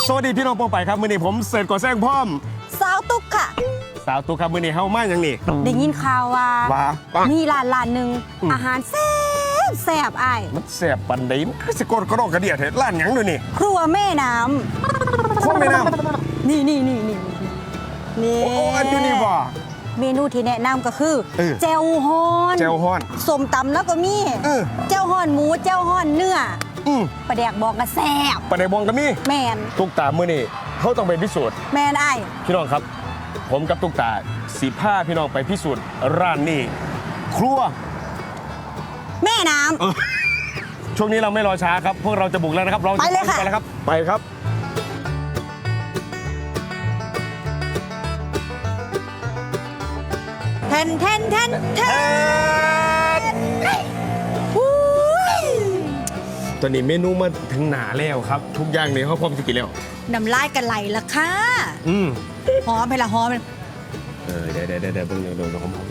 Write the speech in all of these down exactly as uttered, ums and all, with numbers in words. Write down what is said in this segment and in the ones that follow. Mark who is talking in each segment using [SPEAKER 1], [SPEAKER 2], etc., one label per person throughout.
[SPEAKER 1] สวัสดีพี่น้องปองไปครับมื้อนี้ผมเสิร์ชก่อแซงพร้อม
[SPEAKER 2] สาวตุ๊กค่ะ
[SPEAKER 1] สาวตุ๊กครับมื้อนี้เฮามาอย่างนี้
[SPEAKER 2] ได้ยินข่าวว่า
[SPEAKER 1] ว่ามี
[SPEAKER 2] มีร้านร้านหนึ่งอาหารแซ่บแซ่บอ้าย
[SPEAKER 1] มันแซ่บปานใดมันคือสิกดกระดอกกระเดียดเฮ็ดร้านหยังด้วยนี่
[SPEAKER 2] ครัวแม่น้
[SPEAKER 1] ครัวแม่น้
[SPEAKER 2] ำนี่นี่นี่นี่นี่
[SPEAKER 1] โอ้อันอยู่นี่บ่
[SPEAKER 2] เมนูที่แนะนำก็คือ
[SPEAKER 1] เออ
[SPEAKER 2] แจ่วฮอน
[SPEAKER 1] แจ่วฮ้อน
[SPEAKER 2] สมตำแล้วก็มี
[SPEAKER 1] เออ
[SPEAKER 2] แจ่วฮอนหมูแจ่วฮอนเนื้อ
[SPEAKER 1] อืม
[SPEAKER 2] ปลาแดกบอกกระแซ่บ
[SPEAKER 1] ปานใดบองก็มี
[SPEAKER 2] แมน
[SPEAKER 1] ตุ๊กตามื้อนี้เฮาต้องไปพิสูจน์
[SPEAKER 2] แมนอ้าย
[SPEAKER 1] พี่น้องครับ ผมกับตุ๊กตาสิพาพี่น้องไปพิสูจน์ร้านนี้ครัว
[SPEAKER 2] แม่น้ำ
[SPEAKER 1] เออช่วงนี้เราไม่รอช้าครับ พวกเราจะบุกแล้วนะครับ เราจ
[SPEAKER 2] ไปเลยค่ะ
[SPEAKER 1] ไปแล้วครับ ไปครับ
[SPEAKER 2] แทนแทนแทนแทนอุ้ย
[SPEAKER 1] ตอนนี้เมนูมาถึงหนาแล้วครับ ทุกอย่างเนี่ยเขาพร้อมจะกินแล้ว
[SPEAKER 2] น้ำลายกันไหลละค่ะ
[SPEAKER 1] อืม
[SPEAKER 2] หอมไปละหอมไป
[SPEAKER 1] เออเดี๋ยวเดี๋ยวเดี๋ยวเดี๋ยวเพิ่งเดี๋ยวเดี๋ยวเดี๋ยวผมผม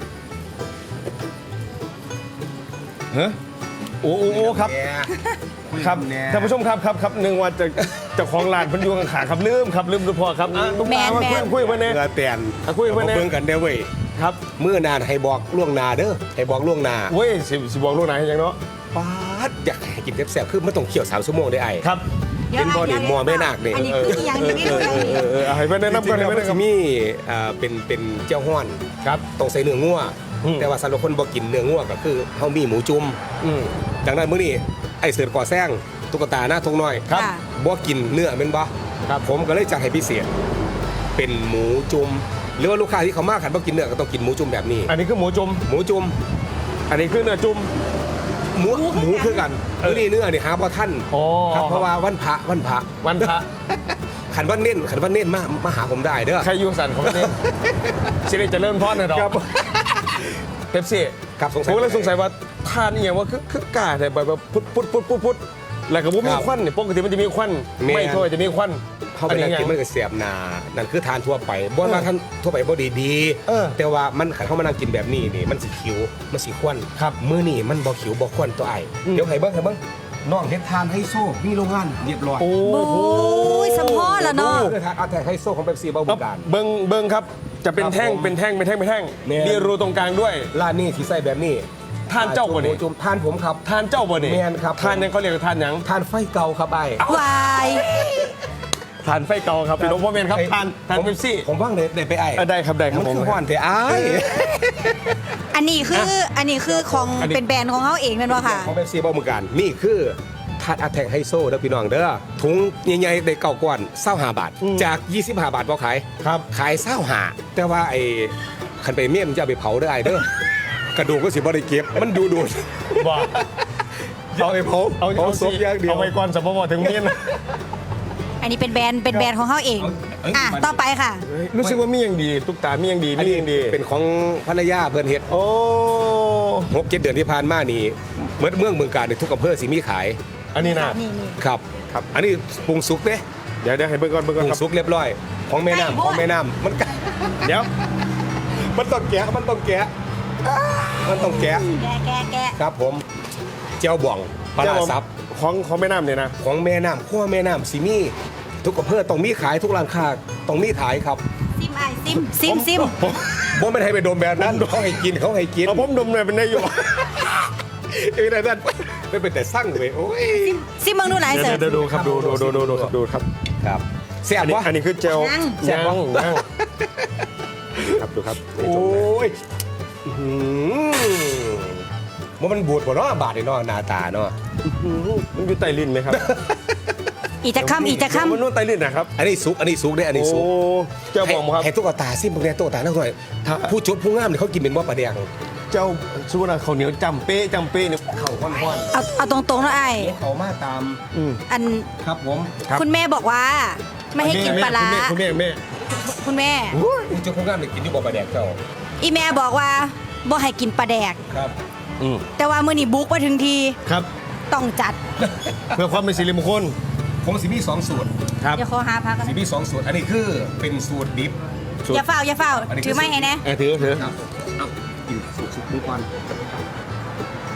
[SPEAKER 1] ฮะโอ้โอ้โอ้ครับ ครับท่านผู้ชมครับครับครับหนึ่งวันจะเจ้าของร้านเพันอยูข้างๆครับลืมครับลืมทุกพอครับอ่ะตุ๊กตามาคุยคุยเพื่อนเนี่ย
[SPEAKER 3] เพื่อเปลี่ยน
[SPEAKER 1] อ่ะคุยกับเพื่อนเนี่ย
[SPEAKER 3] เบิ่งกันเด้อเว้ย
[SPEAKER 1] ครับ
[SPEAKER 3] เมื่อนานให้บอกล่วงหนาเด้อให้บอกล่วงหนา
[SPEAKER 1] เว้ยสิสิบอกลูกไหนให้ยังเนาะ
[SPEAKER 3] ป๊าดอยากให้กินแซ่บๆคือไม่ต้องเคี่ยวสามชั่วโมงได้ไอ้
[SPEAKER 1] ครับ
[SPEAKER 3] เป็นบ่อนี่มัวแม่นาคนี่
[SPEAKER 2] อันนี้คืออย่างนี้ไม่รู้อย่าง
[SPEAKER 1] เอ
[SPEAKER 2] นี้
[SPEAKER 1] อเออเอาให้เพื่อนแนะนำก่อน
[SPEAKER 3] จริ
[SPEAKER 1] ให้
[SPEAKER 3] งๆ
[SPEAKER 1] เพื่
[SPEAKER 3] แล้
[SPEAKER 1] อนแนะนำ
[SPEAKER 3] วมันจะมีอ่าเป็นเป็นเจ้าห้อน
[SPEAKER 1] ครับ
[SPEAKER 3] ต้องใส่เนื้องัว
[SPEAKER 1] อืม
[SPEAKER 3] แต่ว่าสำหรับคนบ่กินเนื้องัวก็คือเฮามีหมูจุ่ม
[SPEAKER 1] อืม
[SPEAKER 3] ดังนั้นมื้อนี้ไอ้เสือก่อแซงตุ๊กตาหน้าทงน้อย
[SPEAKER 1] ครับ
[SPEAKER 3] บ่กินเนื้อแม่นบ่
[SPEAKER 1] ครับ
[SPEAKER 3] ผมก็เลยจัดให้พิเศษเป็นหมูจุ่มหรือว่าลูกค้าที่เขามาขันบ่กินเนื้อก็ต้องกินหมูจุ่มแบบนี้
[SPEAKER 1] อันนี้คือหมูจุ่ม
[SPEAKER 3] หมูจุ่ม
[SPEAKER 1] อันนี้คือเนื้อจุ่ม
[SPEAKER 3] หมูหมูคือกัน
[SPEAKER 1] เออ
[SPEAKER 3] นี่เนื้อนี่หาบ่ท่าน
[SPEAKER 1] อ๋อ
[SPEAKER 3] ครับเพราะว่าวันพระวันพระ
[SPEAKER 1] วันพระ
[SPEAKER 3] ขันวันเน้นขันวันเน้นมามาหาผมได้เด้อ
[SPEAKER 1] ใครอยู่สันของเนี่ยสิริเจะเริ่มทอดนะดอก
[SPEAKER 3] ครับ
[SPEAKER 1] เป๊ปซี่
[SPEAKER 3] ครับสงสั
[SPEAKER 1] ผ
[SPEAKER 3] ย
[SPEAKER 1] มก็เลยสงสัยว่าทานนี่อย่างว่าคือคือกาแต่แบบพุดพุดพุดพุดพุดแล้วก็บ่มี
[SPEAKER 3] ครับ
[SPEAKER 1] ควันเนี่ยปกติมันจะมีควัน
[SPEAKER 3] แม่น
[SPEAKER 1] ไม่ถ้วยจะมีควัน
[SPEAKER 3] เขาไป
[SPEAKER 1] อัน
[SPEAKER 3] นั่
[SPEAKER 1] นี้
[SPEAKER 3] ง
[SPEAKER 1] ยั
[SPEAKER 3] กิน
[SPEAKER 1] ง
[SPEAKER 3] มันก็เสียบหนานั่นคือทานทั่วไปบ่ว่าท่านทั่วไปบ่ดีดี
[SPEAKER 1] เออ
[SPEAKER 3] แต่ว่ามันขันเข้ามานั่งกินแบบนี้นี่มันสิขิวมันสิควัน
[SPEAKER 1] ครับ
[SPEAKER 3] มื้อนี้มันบ่ขิวบ่ควันตัวไอ้
[SPEAKER 1] อืม
[SPEAKER 3] เดี๋ยวให้เบิ่งให้เบิ่งน้องเฮ็ดทานไฮโซมีโรงงานเรียบร้อย
[SPEAKER 1] โอ้
[SPEAKER 2] โอ้ยสมพอละเนาะ
[SPEAKER 3] คือทานอาแทกไฮโซของเป๊ปซี่บ่
[SPEAKER 1] ค
[SPEAKER 3] บุ
[SPEAKER 1] รับ
[SPEAKER 3] กการ
[SPEAKER 1] เบิ้งเบิ้งครับจะเป็นแท่ง
[SPEAKER 3] ครับผม
[SPEAKER 1] เป็นแท่งเป็นแท่งเป็นแท่ง
[SPEAKER 3] แม่น
[SPEAKER 1] มีรูตรงกลางด้วย
[SPEAKER 3] ร้านนี้ที่ใส่แบบนี้
[SPEAKER 1] ทานเจ้าบ่นี่
[SPEAKER 3] จุ่มทานผมครับ
[SPEAKER 1] ทานเจ้าบ่นี่
[SPEAKER 3] แม่นครับ
[SPEAKER 1] ทานยังเขาเรียกว่าทานหยัง
[SPEAKER 3] ทานไฟเก่าครับไอ้
[SPEAKER 2] วาย
[SPEAKER 1] ทานไฟเก่าครับพี่น้องพ่อเมนครับ
[SPEAKER 3] ไอ้
[SPEAKER 1] ทานทาน
[SPEAKER 3] ผม
[SPEAKER 1] เป๊ปซี่
[SPEAKER 3] ผมว่างเลยได้ไปไอ้
[SPEAKER 1] เออได้ครับได้ครับ
[SPEAKER 3] มัน
[SPEAKER 1] ผม
[SPEAKER 3] คือห้อนแต่ไอ้
[SPEAKER 2] อันนี้คืออันนี้คือของ
[SPEAKER 1] อันนี้
[SPEAKER 2] เป็นแบรนด์ของเขาเองนั่นวะค่ะ
[SPEAKER 3] ของเป๊ปซี่บ่เหมือนกันนี่คือทานอาแทกไฮโซเด้อพี่น้องเด้อถุงใหญ่ๆได้เก่าก้อนเศร้าหาบาท จากยี่สิบห้าบาทบ่ขาย
[SPEAKER 1] ครับ
[SPEAKER 3] ขายเศร้าหาแต่ว่าไอ้คันไปเมี่ยมนจะเอาไปเผาเด้อไอ้เด้อกระดูกก็สิบ่ได้เก็บมันดูดูด
[SPEAKER 1] บอก
[SPEAKER 3] เอาไปเผา
[SPEAKER 1] เอา
[SPEAKER 3] เผา
[SPEAKER 1] เอา
[SPEAKER 3] ศพอย่างเดียว
[SPEAKER 1] เอาไว้ก่อนสมมติถึงเมียน
[SPEAKER 2] อันนี้เป็นแบรนด์เป็นแบรนด์ของเขาเอง
[SPEAKER 3] เอ้ย
[SPEAKER 2] อ่ะ
[SPEAKER 3] มัน
[SPEAKER 2] ต่อไปค่ะ
[SPEAKER 1] รู้สึกว่ามีอย่างดีตุ๊กตามีอย่างดี
[SPEAKER 3] อัน
[SPEAKER 1] มี
[SPEAKER 3] นี้
[SPEAKER 1] อย่างดี
[SPEAKER 3] เป็นของภรรยาเพิ่นเฮ็ด
[SPEAKER 1] โอ้
[SPEAKER 3] หกเจ็ดเดือนที่ผ่านมานี่เมื่อเมืองเมืองการในทุกอำเภอสิมีขาย
[SPEAKER 1] อันนี้นะ
[SPEAKER 2] นี่นี่
[SPEAKER 3] ครับ
[SPEAKER 1] ครับ
[SPEAKER 3] อันนี้ปรุงสุกเด้
[SPEAKER 1] เดี๋ยวเดี๋ยวให้เบิ่งก่อนเบิ่ง
[SPEAKER 3] ป
[SPEAKER 1] ก่อน
[SPEAKER 3] รุง
[SPEAKER 1] ครับ
[SPEAKER 3] สุกเรียบร้อย ของแม่น้ำของแม่น้ำมันกะ
[SPEAKER 1] เดี๋ยว
[SPEAKER 3] มันต้องแกะมันต้องแกะมันต้องแกะ
[SPEAKER 2] แกะแกะแกะ
[SPEAKER 3] ครับผมเจ้าบ่องปลาร้าซับ
[SPEAKER 1] ของของแม่น้ำเนี่ยนะ
[SPEAKER 3] ของแม่น้ำขั้วแม่น้ำสิมีทุกอำเภอต้องมีขายทุกร้านค้าต้องมีขายครับ
[SPEAKER 2] ซิมไอซิมซิมซิม
[SPEAKER 1] ผม
[SPEAKER 3] บ่ไม่นให้ไปดมแบบนั้นเขาให้กินเขาให้กิน
[SPEAKER 1] เอาผมดมเลยเป็นได้อยู่
[SPEAKER 3] เอ้ยนั่นไม่เป็นแต่สั่งเลยโอ้ย
[SPEAKER 2] ซิมเมืองดูไหน
[SPEAKER 1] เดี๋ยว
[SPEAKER 2] เสิร์ฟ
[SPEAKER 1] เดี๋ยวดูครับดูดูดูดูดูดูครับ
[SPEAKER 3] ครับแซ่
[SPEAKER 1] อั
[SPEAKER 3] บ
[SPEAKER 1] นนี้
[SPEAKER 3] วะ
[SPEAKER 1] อันนี้คือเจล
[SPEAKER 2] ยัง
[SPEAKER 3] แซ่บ
[SPEAKER 1] ยัง
[SPEAKER 3] ปะ
[SPEAKER 1] ยังครับดูครับ
[SPEAKER 3] โอ้ยอื้อหือว่ามันบูดบ่เนาะบาดนี่เนาะหน้าตาเนาะ
[SPEAKER 1] มันอยู่ใต้ลิ้นไหมครับ
[SPEAKER 2] อีกจะคำอีกจะ
[SPEAKER 1] เดี๋ยวมัน
[SPEAKER 2] คำ
[SPEAKER 1] นู่นใต้ลิ้นนะครับ
[SPEAKER 3] อันนี้สุกอันนี้สุกเด้อันนี้
[SPEAKER 1] โอ้
[SPEAKER 3] สุก
[SPEAKER 1] เจ้าบอกครับ
[SPEAKER 3] ให้ตุ๊กตาซิมพวกเนี้ยตุ๊กตานั่งหน่อยถ้าผู้จุดผู้งามเนี่ยเขากินเป็นว่าปลาแดง
[SPEAKER 1] เจ้าสุวรรณข้าวเหนียวจำเป๊ะจำเป๊ะเนี่ย
[SPEAKER 3] เข่าค่อน
[SPEAKER 2] เอาเอาตรงๆนะไอ
[SPEAKER 3] ๆเขามาตาม
[SPEAKER 1] อืม
[SPEAKER 2] อัน
[SPEAKER 3] ครับผม
[SPEAKER 1] ครับ
[SPEAKER 2] คุณแม่บอกว่า ไม่ให้กินปลาร้า
[SPEAKER 1] คุณแม่คุณแม่
[SPEAKER 2] คุณแม่
[SPEAKER 3] ผู้จุดผู้งามเนี่ยกินอยู่บ่ปลาแดงเจ้า
[SPEAKER 2] อีแม่บอกว่าบ่ให้กินปลาแดก
[SPEAKER 3] ครับ
[SPEAKER 1] อืม
[SPEAKER 2] แต่ว่ามื้อนี้บุกมาถึงที
[SPEAKER 1] ครับ
[SPEAKER 2] ต้องจัด
[SPEAKER 1] เพื่อความเป็นสิริมงคล
[SPEAKER 3] ผมสิมีสองสูตร
[SPEAKER 1] ครับ
[SPEAKER 2] เดี๋ยวขอหาพักกัน
[SPEAKER 3] สิมีสองสูตรอันนี้คือเป็นสูตรดิบ
[SPEAKER 1] สูตร
[SPEAKER 2] อย่าเฝ้าอย่าเฝ้า
[SPEAKER 3] อันนี้คือ
[SPEAKER 2] ถือไม่ให้แนะ
[SPEAKER 1] เออถือถือ
[SPEAKER 3] ครับเอากินสูตรสุกดูก่อน
[SPEAKER 2] อัน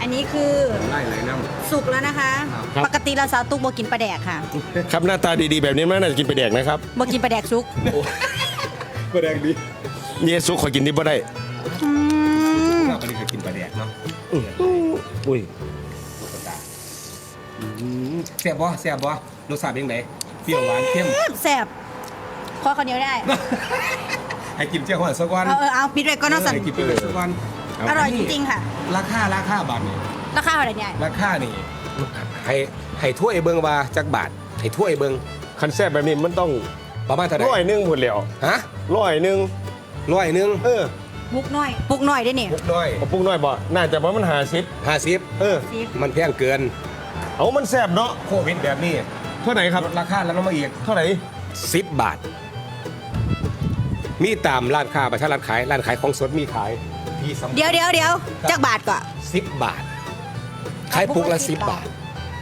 [SPEAKER 2] อันนี้คือ
[SPEAKER 3] ไล่ไหลน้ำ
[SPEAKER 2] สุกแล้วนะคะ
[SPEAKER 1] ครับ
[SPEAKER 2] ปกติเราสาวตุ๊กโบกินปลาแดกค่ะ
[SPEAKER 1] ครับหน้าตาดีๆแบบนี้มันน่าจะกินไปแดกนะครับ
[SPEAKER 2] โบกินปลาแดกซุก
[SPEAKER 3] ปลาแดกดี
[SPEAKER 1] เยซุขอกินดิบ่ได้
[SPEAKER 2] อืม
[SPEAKER 3] ข้าวปลาแดกกินปลาแดกเนาะ
[SPEAKER 1] อุ้ย
[SPEAKER 3] แซ่บบ่แซ่บบ่รสชาติเป็นไงเปรี้ยวหวานเค็ม
[SPEAKER 2] แซ่บขอข้าวเหนียวได้
[SPEAKER 3] ให้กินเจ้าหัวสักวัน
[SPEAKER 2] เอาเออเอาปิดไว้ก็น่าสั่น
[SPEAKER 3] ให้กินไปเลยสักวัน
[SPEAKER 2] อร่อยจริงๆค่ะ
[SPEAKER 3] ราคาราคาบาทนี่
[SPEAKER 2] ราคาเท่าไหร่เนี่ย
[SPEAKER 3] ราคานี่ให้ให้ถ้วยเบิ่งว่าจักบาทให้ถ้วยเบิ่ง
[SPEAKER 1] คันแซ่บแบบนี้มันต้อง
[SPEAKER 3] ประมาณเท่าไหร่
[SPEAKER 1] ร้อยหนึงพุ่นแล้ว
[SPEAKER 3] ฮะ
[SPEAKER 1] ร้อยหนึง
[SPEAKER 3] ร้อยหนึง
[SPEAKER 1] เออ
[SPEAKER 2] ปุกน้อยปุกน้อยได้เนี่ย
[SPEAKER 3] มุกน้อย
[SPEAKER 1] เอาปรุงน้อยบ่น่าจะว่ามันหาสิบ
[SPEAKER 3] ห้าสิบ
[SPEAKER 1] เออ
[SPEAKER 2] ซีฟ
[SPEAKER 3] มันแพงเกิน
[SPEAKER 1] เอามันแซ่บเนาะ
[SPEAKER 3] โควิดแบบนี้
[SPEAKER 1] เท่าไหร่ครับ
[SPEAKER 3] ลดราคาแล้วลงมาอีก
[SPEAKER 1] เท่าไหร่
[SPEAKER 3] สิบบาท มีตามร้านค้าประชาร้านขายร้านขายของสดมีขายที่สำคัญ
[SPEAKER 2] เดี๋ยวเดี๋ยวเดี๋ยวจักบาทก่อน
[SPEAKER 3] สิบบาท ขายปุกละสิบบาท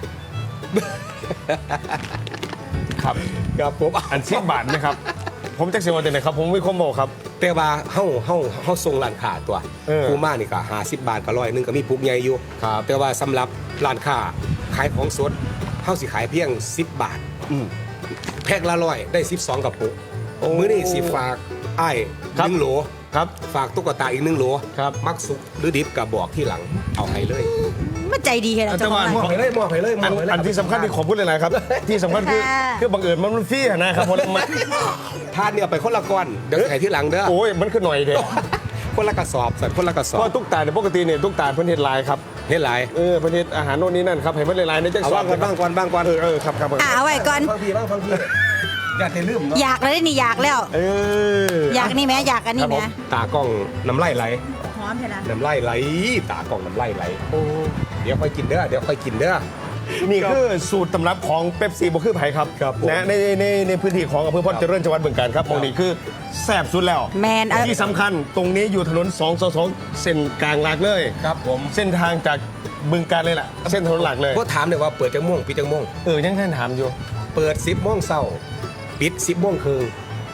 [SPEAKER 1] ครับ
[SPEAKER 3] ครับผม
[SPEAKER 1] อันสิบบาทนะครับ ผมแจ็คเสียวันเดนนะครับ ผมมีคอมโบครับ
[SPEAKER 3] แต่ว่าเฮาเฮาเฮาส่งร้านค้าตัว
[SPEAKER 1] เออ
[SPEAKER 3] คูมานี่ก็ห้าสิบบาทก็ร้อยหนึงก็มีปุกใหญ่อยู่
[SPEAKER 1] ครับ
[SPEAKER 3] แต่ว่าสำหรับร้านค้าขายของสดเฮาสิขายเพียงสิบบาท
[SPEAKER 1] อืม
[SPEAKER 3] แพ็คละร้อยได้สิบสองกระปุก
[SPEAKER 1] โอ้
[SPEAKER 3] มื้อนี้สิฝากอ้าย
[SPEAKER 1] ครับ
[SPEAKER 3] หนึ่งโหล
[SPEAKER 1] ครับ
[SPEAKER 3] ฝากตุ๊กตาอีกหนึ่งโหล
[SPEAKER 1] ครับ
[SPEAKER 3] มักสุกหรือดิบกับบอกที่หลังเอาให้เลย
[SPEAKER 2] มันใจดีแค่ไหน
[SPEAKER 1] อาจ
[SPEAKER 2] เจ้า
[SPEAKER 1] จะ
[SPEAKER 2] ของ
[SPEAKER 1] ว่า
[SPEAKER 2] ร้าน
[SPEAKER 3] มอบให้เลยมอบให้เลยม
[SPEAKER 1] อั
[SPEAKER 3] อน บให้เลย
[SPEAKER 1] อันที่สำคัญที่ขอพูดเลยนะครับ ที่สำคัญคือ
[SPEAKER 2] ค่ะ
[SPEAKER 1] คือบังเอิญมันมันฟรีอะนะครับผมมัน
[SPEAKER 3] ทานเนี่ยไปคนละก้อนเดี๋ยวให้ที่หลังเด้อ
[SPEAKER 1] โอ้ยมันคือหน่อยเดียว
[SPEAKER 3] คนละกระสอบใส่คนละกระส
[SPEAKER 1] เพ
[SPEAKER 3] อบ
[SPEAKER 1] ราะตุ๊กตาเนี่ยปกติเนี่ยตุ๊กตาเพิ่นเฮ็ดลายครับ
[SPEAKER 3] เฮ็ดหลาย
[SPEAKER 1] เออเพิ่นเฮ็ดอาหารโน่นนี่นั่นครับให้มันลายๆในจัง
[SPEAKER 3] เอา
[SPEAKER 1] สอ
[SPEAKER 3] บ้างก่อนบ้างก่อนบ้างก่อน
[SPEAKER 1] เออเออครับครับ
[SPEAKER 2] อ่ะเอาไว้ก่อน
[SPEAKER 3] ฟังพี่บ้างฟังพี่อย่าเทลืมเนาะ
[SPEAKER 2] อยากแล้วได้นี่อยากแล้ว
[SPEAKER 1] เออ
[SPEAKER 2] อยากนี่ไหมอยากอันนี้ไหม
[SPEAKER 3] ตากล้องน้ำไหลไหล
[SPEAKER 2] หอมเถอะนะ
[SPEAKER 3] น้ำไหลไหลตากล้องน้ำไหลไหลเดี๋ยวค่อยกินเด้อเดี๋ยวค่อยกินเด้อ
[SPEAKER 1] นี่คือสูตรตำรับของเป๊ปซี่บ่คือไผครับ
[SPEAKER 3] ครับผม
[SPEAKER 1] นะในในในพื้นที่ของอำเภอพรเจริญจังหวัดบึงกาฬครับตรงนี้คือแซ่บสุดแล้ว
[SPEAKER 2] แมนเอา
[SPEAKER 1] ที่สำคัญตรงนี้อยู่ถนนสองสองเส้นกลางหลักเลย
[SPEAKER 3] ครับผม
[SPEAKER 1] เส้นทางจากบึงกาฬเลยล่ะเส้นถนนหลักเลย
[SPEAKER 3] ก็ถามเลยว่าเปิดจังม่วงปิดจังม่วง
[SPEAKER 1] เออยังท่านถามอยู่
[SPEAKER 3] เปิดสิบโมงเช้าปิดสิบโมงครึ่ง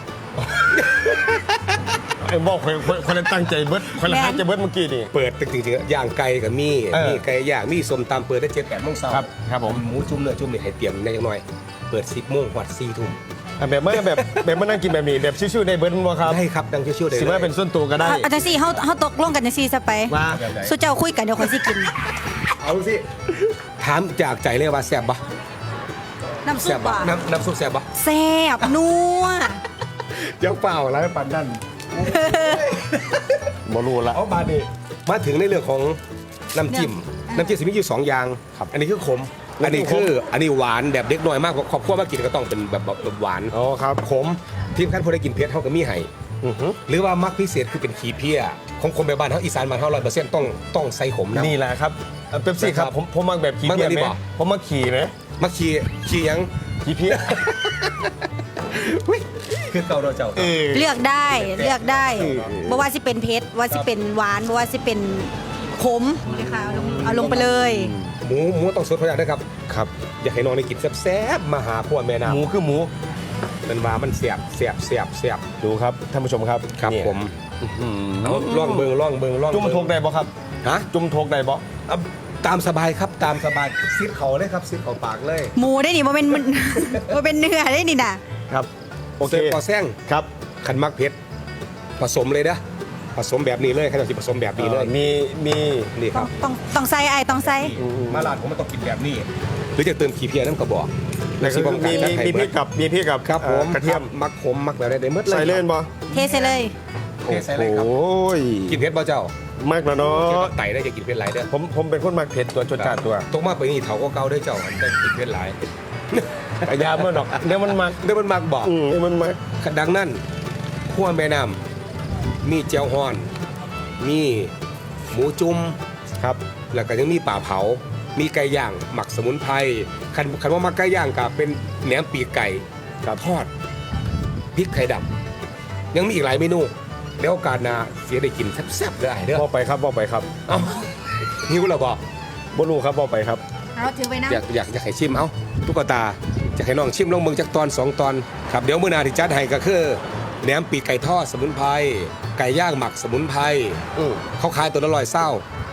[SPEAKER 1] ไอ้บอกคนคนคนละตั้งใจเบิดคนละตั้งใจเบิดเมื่อกี้นี่
[SPEAKER 3] เปิดจริงๆย่างไก่กับมี
[SPEAKER 1] เออ
[SPEAKER 3] มีไก่ย่างมีส้มตำเปิดได้เจ็ดแปดโมงเช้า
[SPEAKER 1] ครับครับผม
[SPEAKER 3] หมูจุ่มเนื้อจุ่มนี่ให้เตรียมได้จังหน่อย เปิดสิบโมงวัดสี่ทุ่ม
[SPEAKER 1] อ่ะแบบเมื่อแบบแบบเมื่อนั่งกินแบบนี้แบบชิวๆในเบิร์ดมั้งครับ
[SPEAKER 3] ได้ครับดังชิวๆได้
[SPEAKER 1] สิ
[SPEAKER 3] เลย
[SPEAKER 1] ว่าเป็นส่วนตัวก็ได้
[SPEAKER 2] เอาเอาจังซี่เฮาเฮาตกลงกันจังซี่ซะไป
[SPEAKER 1] ว่า
[SPEAKER 2] สู้เจ้าคุยกันเดี๋ยวคนสิกิน
[SPEAKER 3] เอาสิถามจากใจเลยว่าแซ่บปะ
[SPEAKER 2] น้ำซุ
[SPEAKER 3] แซ่
[SPEAKER 2] ป
[SPEAKER 3] บปะ
[SPEAKER 2] อ่ะ
[SPEAKER 3] น้ำน้ำซุปแซ่บปะ
[SPEAKER 2] แซ่บนัว
[SPEAKER 3] เจ้าเปล่าแล้วปันนั่น
[SPEAKER 1] บรู้ละ
[SPEAKER 3] เอามาดิมาถึงในเรื่องของน้ำจิ้มน้ำจิ้มสิมีอยู่สองอย่างครับอันนี้คือขมอันนี้คืออันนี้หวานแบบเด็กน้อยมากขอบครัวมากินก็ต้องเป็นแบบแบบหวาน
[SPEAKER 1] อ๋อครับ
[SPEAKER 3] ขมทีมขั้นพอได้กินเผ็ดเท่ากับมีไห้
[SPEAKER 1] อือหือ
[SPEAKER 3] หรือว่ามักพิเศษคือเป็นขี้เพี้ยของคนแบบบ้านเขาอีสานบ้านเขาร้อยเปอร์เซ็นต์ต้องต้องใส่ขมนะ
[SPEAKER 1] นี่แหละครับเอ่อเป๊ปซี่ครับ
[SPEAKER 3] นะครับ
[SPEAKER 1] ผมผมมักแบบขี่
[SPEAKER 3] มัก
[SPEAKER 1] เพี้
[SPEAKER 3] แบบ
[SPEAKER 1] ย
[SPEAKER 3] นี้
[SPEAKER 1] ไหม
[SPEAKER 3] บ่
[SPEAKER 1] ผมมักขี่ไหม
[SPEAKER 3] มักขี้ขี้หยัง
[SPEAKER 1] ขี่เพี้ย
[SPEAKER 3] คือเก่าเราเจ้า
[SPEAKER 1] เออ
[SPEAKER 2] เลือกได้เลือกได้
[SPEAKER 1] เออ
[SPEAKER 2] บ่ว่าสิเป็นเผ็ดว่าสิเป็นหวานบ่ว่าสิเป็นขมเลยค่ะเอาลงเอาลงไปเลย
[SPEAKER 3] หมูหมูต้องสดพออย่างนะครับ
[SPEAKER 1] ครับ
[SPEAKER 3] อยากให้น้องได้กินแซ่บๆมาหาพ่อแม่น้
[SPEAKER 1] หมูคือหมู
[SPEAKER 3] ำเป็นว่ามันเสียบเสียบเสียบเสียบ
[SPEAKER 1] ดูครับท่านผู้ชมครับ
[SPEAKER 3] ครับ
[SPEAKER 1] เนี่ย
[SPEAKER 3] ผม
[SPEAKER 1] อืม
[SPEAKER 3] เอาล่องเบิงล่องเบิงล่อง
[SPEAKER 1] จุ่ม
[SPEAKER 3] เบิ่ง
[SPEAKER 1] ทกได้บ่ครับ
[SPEAKER 3] ฮะ
[SPEAKER 1] จุ่มทกได้บ่
[SPEAKER 3] เอาตามสบายครับตามสบายซิดเขาเลยครับซิดเขาปากเลย
[SPEAKER 2] หมูได้นี่บ่เป็นมัน บ่เป็นเนื้อได้นี่น่ะ
[SPEAKER 1] ครับโอเค
[SPEAKER 3] เสิร์ฟพอแซง
[SPEAKER 1] ครับ
[SPEAKER 3] ขันมักเผ็ดผสมเลยนะผสมแบบนี้เลยใครจะผสมแบบนี้เลย
[SPEAKER 1] อ่อมีมี
[SPEAKER 3] นี่ค
[SPEAKER 2] ต้อ
[SPEAKER 3] รั
[SPEAKER 2] ง
[SPEAKER 3] บ
[SPEAKER 2] ต้องต้องใส่ไอ้ายต้องใส่
[SPEAKER 3] มาลาดผมมันต้องกินแบบนี้ หรือจะเติมขี้เพียน้ำกระบอก
[SPEAKER 1] แล้วก็มีมีมีพริกกับมีพริกกับ
[SPEAKER 3] ครับผม
[SPEAKER 1] อ่อกระเทียม
[SPEAKER 3] มักขมมักแบบไหนได้หมดเลย
[SPEAKER 1] ใส่เล่นบ่
[SPEAKER 2] เทใส่เลย
[SPEAKER 3] เทใส่เลยครับ
[SPEAKER 1] โอ้ย
[SPEAKER 3] กินเผ็ดบ่เจ้าม
[SPEAKER 1] ากแล้วเนา
[SPEAKER 3] เกี่ยว
[SPEAKER 1] ะ
[SPEAKER 3] กับไตได้จะกินเผ็ดหลายเด้อ
[SPEAKER 1] ผมผมเป็นคนมักเผ็ดตัวจดจ้าตัว
[SPEAKER 3] ตกมาไปนี่เถาก็เก่าได้อเจ้าอันได้กินเผ็ดหลาย
[SPEAKER 1] พยายามเมื่อดอกเดี๋ยวมันมัก
[SPEAKER 3] เดี๋ยวมันมักบอก
[SPEAKER 1] อืมเดี๋ยวมันมัก
[SPEAKER 3] ดังนั้นขั้วแม่น้ำมีเจียวฮ้อน มีหมูจุ่ม
[SPEAKER 1] ครับ
[SPEAKER 3] แล้วก็ยังมีป่าเผา มีไก่ย่างหมักสมุนไพรคันคันว่ามักไก่ย่างกับเป็นแหนมปีกไก่กับทอดพริกไข่ดำยังมีอีกหลายเมนูแล้วโอกาสหน้าเสียได้กินแซ่บๆเลยไอ้เด้อ
[SPEAKER 1] บอกไปครับบอกไปครับ
[SPEAKER 3] เอ้าหิวแล้วบ่
[SPEAKER 1] บ่รู้ครับบอกไปครับ
[SPEAKER 2] เอาถือไว้นะ
[SPEAKER 3] อยากอยากอยากให้ชิมเอ้าตุ๊กตาอยากให้น้องชิมลองเบิ่งจักตอนสองตอนครับเดี๋ยวมื้อหน้าที่จัดให้ก็คือแหนมปีกไก่ทอดสมุนไพรไก่ย่างหมักสมุนไพร
[SPEAKER 1] อืม
[SPEAKER 3] เขาขายตัวละร้อยเศร้า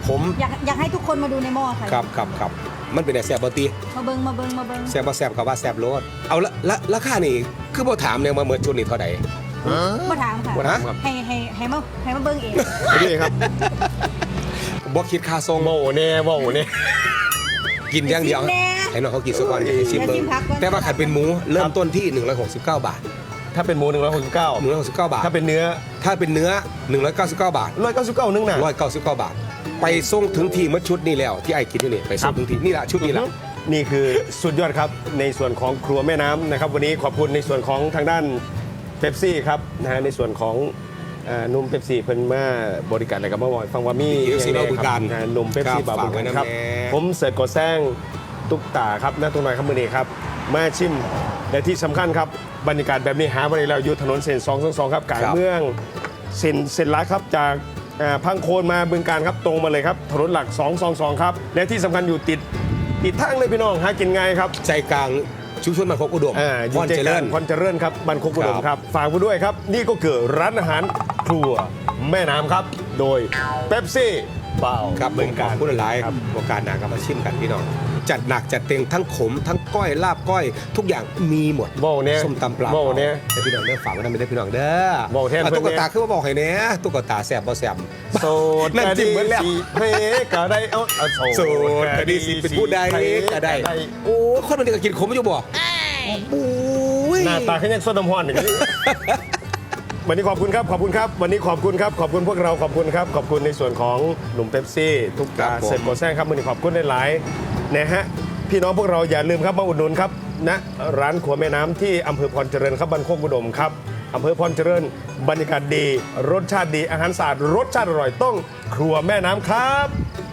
[SPEAKER 3] ผม
[SPEAKER 2] อยากอยากให้ทุกคนมาดูในหม้อค่ะ
[SPEAKER 3] ครับครับครับมันเป็นแต่แซ่บบตี
[SPEAKER 2] มาเบิงมาเบิงมาเบิง
[SPEAKER 3] แซ่บบ่แซ่บกับว่าแซ่บโลดเอาละละราคานี่คือบ่ถามเนี่ยมาเมื่อชุดนี้เท่าใด
[SPEAKER 2] มาถามค่ะ
[SPEAKER 3] บ่ถาม
[SPEAKER 2] ให้ให้ให้มาให้มาเบิงเอง
[SPEAKER 1] นี่ครับ
[SPEAKER 3] บ่คิดค่าทรง
[SPEAKER 1] โบเน่โบเน่
[SPEAKER 3] กินอย่างเดียว
[SPEAKER 2] แน่
[SPEAKER 3] ให้น้องเขากินซะก่อนให้ชิมเบิ่ง
[SPEAKER 2] เดี๋ยวชิมพักก่อน
[SPEAKER 3] แต่ว่าขัดเป็นหมูเริ่มต้นที่หนึ่งร้อยหกสิบเก้าบาท
[SPEAKER 1] ถ้าเป็นหมูหนึ่งร้อยหกสิบเก้า
[SPEAKER 3] หนึ่งร้อยหกสิบเก้าบาท
[SPEAKER 1] ถ้าเป็นเนื้อ
[SPEAKER 3] ถ้าเป็นเนื้อหนึ่งร้อยเก้าสิบเก้าบาท
[SPEAKER 1] ร้อยเก้าสิบเก้านึงน่ะ
[SPEAKER 3] ร้อยเก้าสิบเก้าบาท ไปส่งถึงที่เมื่อชุดนี้แล้วที่ไอ้กินอยู่นี่ไปส่งถึงที่นี่ละชุดนี้ละ
[SPEAKER 1] นี่คือสุดยอดครับในส่วนของครัวแม่น้ำนะครับ วันนี้ขอบคุณในส่วนของทางด้านเป๊ปซี่ครับนะฮะในส่วนของเอ่อนุ่มเป๊ปซี่เพิ่นมาบริการอะไรกับเมื่อวานฟังว่ามี
[SPEAKER 3] เป๊ปซี่
[SPEAKER 1] อย่าง
[SPEAKER 3] บริการ
[SPEAKER 1] นะฮะนุ่มเป๊ปซี่
[SPEAKER 3] ครับ
[SPEAKER 1] บาบริการครับ
[SPEAKER 3] ฝากไว้นะแม่
[SPEAKER 1] ผมเสิร์ชกดแซงตุ๊กตาครับนะตรงไหนครับมือนี้ครับมาชิมและที่สำคัญครับบรรยากาศแบบนี้หามาได้แล้วอยู่ถนนเส้นสองสองสองครับกลางเมืองเส้นเส้นหลักครับจากอ่าพังโคนมาบึงการครับตรงมาเลยครับถนนหลักสองสองสองครับและที่สำคัญอยู่ติดติดทางเลยพี่น้องหากินง่ายครับ
[SPEAKER 3] ใจกลางชุมชนมันคกอุดม
[SPEAKER 1] อ่า
[SPEAKER 3] พรเจริญ
[SPEAKER 1] พรเจริญครับบันคกอุดม
[SPEAKER 3] ครับ
[SPEAKER 1] ครับฝากไว้ด้วยครับ นี่ก็คือร้านอาหารครัวแม่น้ำครับ โดยเป๊ปซี่เปล่า
[SPEAKER 3] ครับผ
[SPEAKER 1] เมื
[SPEAKER 3] ม
[SPEAKER 1] อง
[SPEAKER 3] ข
[SPEAKER 1] กา
[SPEAKER 3] อบ
[SPEAKER 1] ร
[SPEAKER 3] คุณหลาย
[SPEAKER 1] ครับ
[SPEAKER 3] โอกาสหนาครับมาชิมกันพี่น้องจัดหนักจัดเต็มทั้งขมทั้งก้อยลาบก้อย ทุกอย่างมีหมด
[SPEAKER 1] โบ้เนี่ย
[SPEAKER 3] ส้มตำปลา
[SPEAKER 1] โบ้เนี่ย
[SPEAKER 3] ให้พี่น้องเด้อฝากไว้ทำเป็นพี่น้องเด้อ
[SPEAKER 1] โบ้แทน
[SPEAKER 3] อ่ะ
[SPEAKER 1] เพิ่น
[SPEAKER 3] ตุ๊ก
[SPEAKER 1] เนี่ย
[SPEAKER 3] ตาคือว่าบอกให้เนี้ยตุ๊กตาแสบบ่แสบ
[SPEAKER 1] โสด
[SPEAKER 3] นั่นจิ้มเหมือนแล้ว
[SPEAKER 1] สิเฮ้ก็ได้เอาเอา
[SPEAKER 3] โสดคดีสิเป็นผู้ใดก็ได้โอ้คนมันเด็กกินขมอยู่บ่โอ้ย
[SPEAKER 1] หน้าตาเขายังสดน้ำห้อนอย่างนี้ วันนี้ขอบคุณครับขอบคุณครับ วันนี้ขอบคุณครับขอบคุณพวกเราขอบคุณครับขอบคุณในส่วนของหนุ่มเป๊ปซี่ทุกตาเสร็จโกแซงครับวันนี้ขอบคุณหลายๆนะฮะพี่น้องพวกเราอย่าลืมครับมาอุดหนุนครับนะร้านครัวแม่น้ำที่อำเภอพรเจริญครับบ้านโคกอุดมครับอำเภอพรเจริญบรรยากาศดี รสชาติดีอาหารสะอาดรสชาติอร่อยต้องครัวแม่น้ำครับ